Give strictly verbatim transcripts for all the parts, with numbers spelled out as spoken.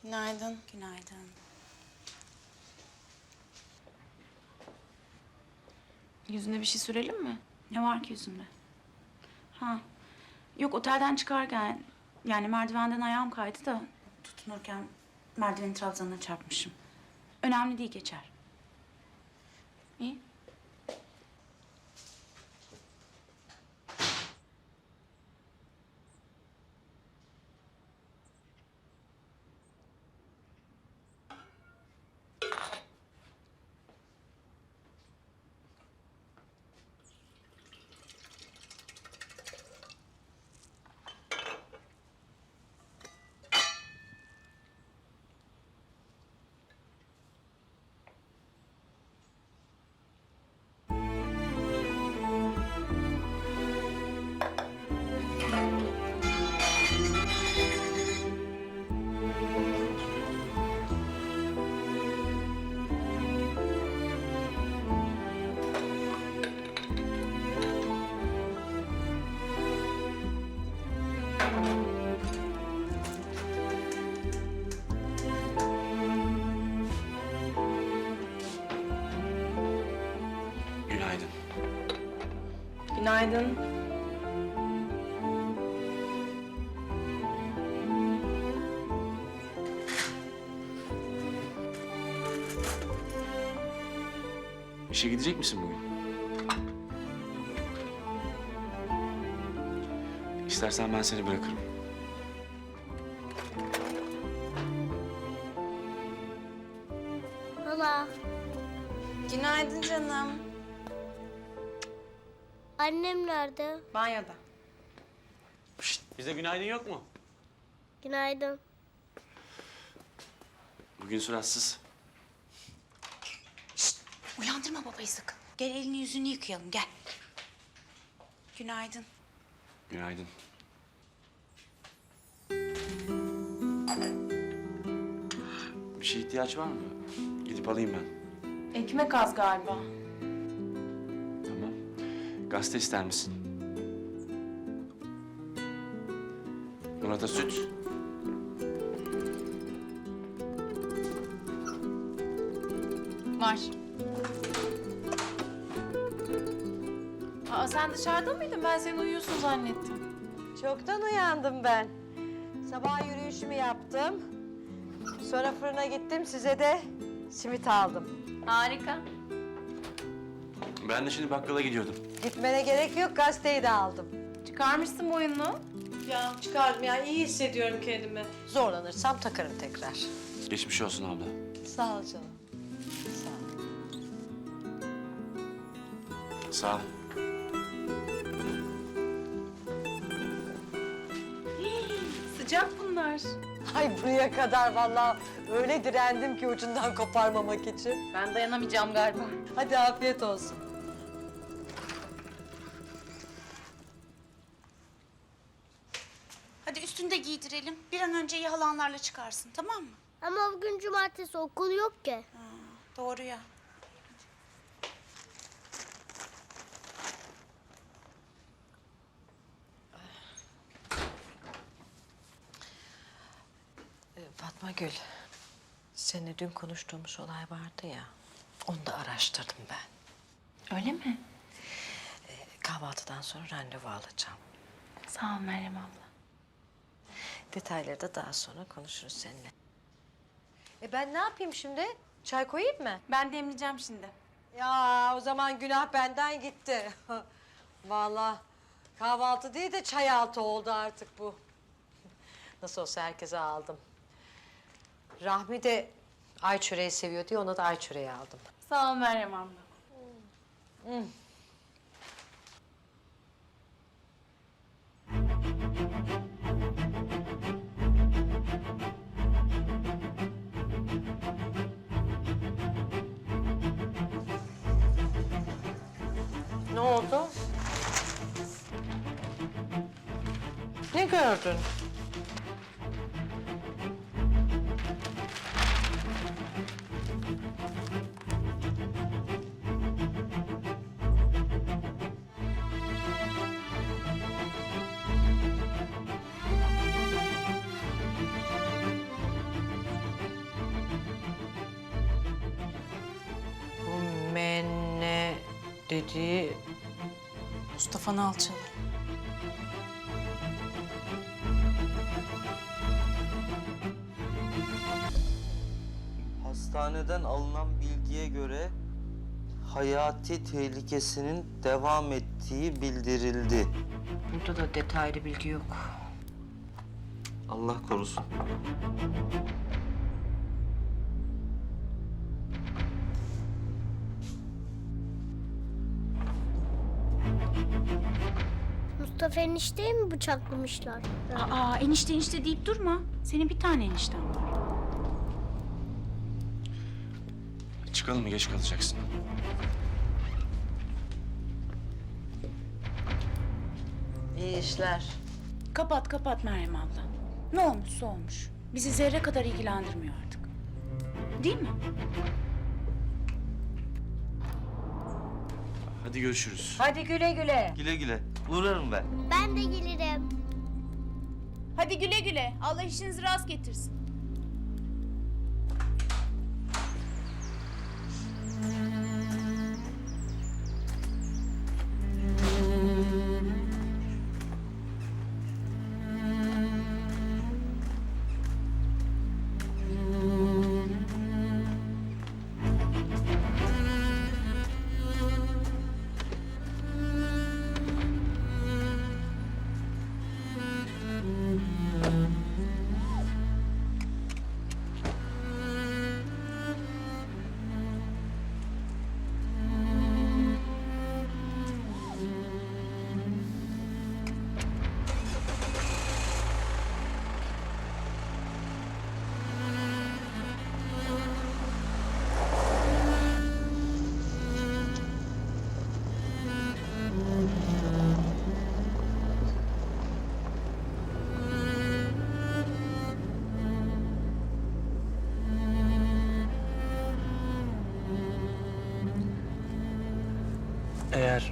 Günaydın. Günaydın. Yüzüne bir şey sürelim mi? Ne var ki yüzümde? Ha. Yok, otelden çıkarken yani merdivenden ayağım kaydı da tutunurken merdivenin trabzanına çarpmışım. Önemli değil, geçer. İyi. Günaydın. Günaydın. İşe gidecek misin bugün? İstersen ben seni bırakırım. Hala, Günaydın canım. annem nerede? Banyoda. Şişt, bize günaydın yok mu? Günaydın. Bugün suratsız. Uyandırma babayı sakın. Gel elini yüzünü yıkayalım, gel. Günaydın. Günaydın. Bir şeye ihtiyaç var mı? Gidip alayım ben. Ekmek az galiba. Tamam. Gazete ister misin? Murat'a süt. Var. Aa, sen dışarıda mıydın? Ben seni uyuyorsun zannettim. Çoktan uyandım ben. Sabah yürüyüşümü yaptım. Sonra fırına gittim, size de simit aldım. Harika. Ben de şimdi bakkala gidiyordum. Gitmene gerek yok, gazeteyi de aldım. Çıkarmışsın boynunu. Ya çıkardım ya, iyi hissediyorum kendimi. Zorlanırsam takarım tekrar. Geçmiş olsun abla. Sağ ol canım. Sağ ol. Sağ ol. Sıcak bunlar. Ay buraya kadar vallahi öyle direndim ki ucundan koparmamak için. Ben dayanamayacağım galiba. Hadi afiyet olsun. Hadi üstünü de giydirelim. Bir an önce iyi halanlarla çıkarsın, tamam mı? Ama bugün cumartesi okul yok ki. Ha, doğru ya. Ee, Fatma Gül, seninle dün konuştuğumuz olay vardı ya, onu da araştırdım ben. Öyle mi? Kahvaltıdan sonra randevu alacağım. Sağ ol Meryem abla. Detayları da daha sonra konuşuruz seninle. E ben ne yapayım şimdi? Çay koyayım mı? Ben demleyeceğim şimdi. Ya o zaman günah benden gitti. Vallahi kahvaltı değil de çay altı oldu artık bu. Nasıl olsa herkese aldım. Rahmi de ay çöreği seviyor diye ona da ay çöreği aldım. Sağ ol Meryem abla. Ne oldu? Ne gördün? dediği Mustafa Nalçalı. Hastaneden alınan bilgiye göre hayati tehlikesinin devam ettiği bildirildi. Burada da detaylı bilgi yok. Allah korusun. Mustafa enişteyi mi bıçaklamışlar? Aa, enişte enişte deyip durma. Senin bir tane enişten var. Çıkalım mı? Geç kalacaksın. iyi işler. Kapat kapat Meryem abla. Ne olmuşsa olmuş. Bizi zerre kadar ilgilendirmiyor artık. Değil mi? Hadi görüşürüz. Hadi güle güle. Güle güle. Uğrarım ben. Ben de gelirim. Hadi güle güle. Allah işinizi rast getirsin. Eğer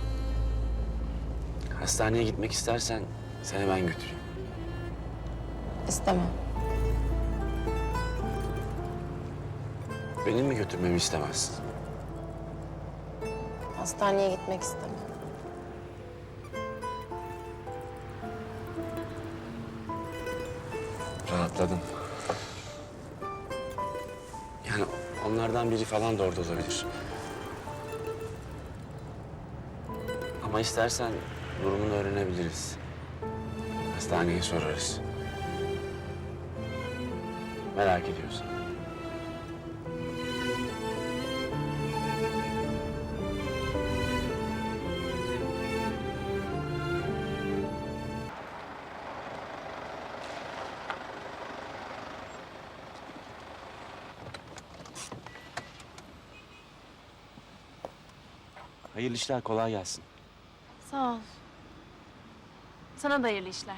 hastaneye gitmek istersen seni ben götüreyim. İstemem. Benim mi götürmemi istemezsin? Hastaneye gitmek istemem. Rahatladım. Yani onlardan biri falan da orada olabilir. Ama istersen durumunu öğrenebiliriz. Hastaneye sorarız. Merak ediyorsan. Hayırlı işler, kolay gelsin. Sağ ol. Sana da hayırlı işler.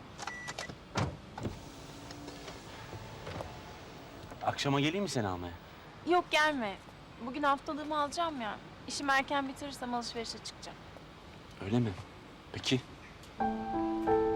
Akşama geleyim mi seni almaya? Yok gelme. Bugün haftalığımı alacağım ya. İşimi erken bitirirsem alışverişe çıkacağım. Öyle mi? Peki.